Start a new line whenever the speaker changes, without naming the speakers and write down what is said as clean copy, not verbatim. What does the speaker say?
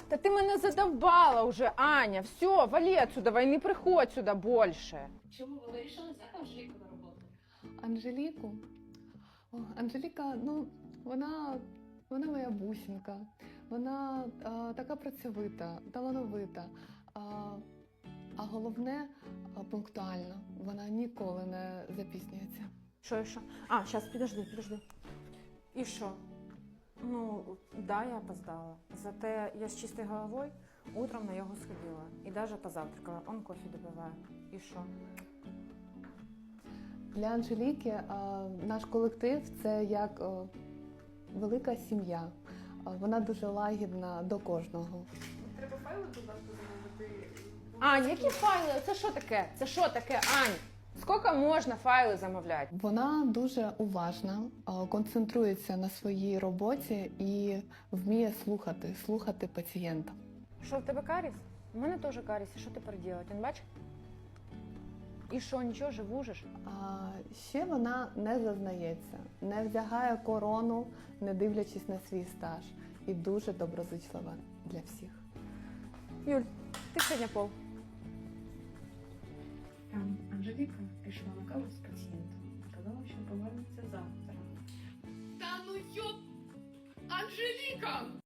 Та ти мене задовбала уже, Аня. Все, вали отсюда, не приходь сюди більше.
Чому ви вирішили взяти Анжеліку на роботу?
Анжеліку? О, Анжеліка, ну, вона моя бусинка. Вона така працьовита, талановита. А головне, пунктуальна. Вона ніколи не запізнюється.
Що? А, зараз, підожди. І що? Ну, да, я опоздала. Зате я з чистою головою утром на його сходила. І навіть позавтракала. Он кофе добиває. І що?
Для Анжеліки наш колектив – це як велика сім'я. Вона дуже лагідна до кожного.
Треба файли додати замовити.
Ань, які файли? Це що таке? Це що таке, Ань? Скільки можна файли замовляти?
Вона дуже уважна, концентрується на своїй роботі і вміє слухати пацієнта.
Що, в тебе каріс? У мене теж каріс. І що тепер робити? Він бачиш? І що, нічого, живужиш?
Ще вона не зазнається, не вдягає корону, не дивлячись на свій стаж. І дуже доброзичлива для всіх.
Юль, ти сьогодні пол.
Анжеліка пішла на каву з пацієнтом. Сказала, що повернеться завтра.
Та ну йоп! Анжеліка!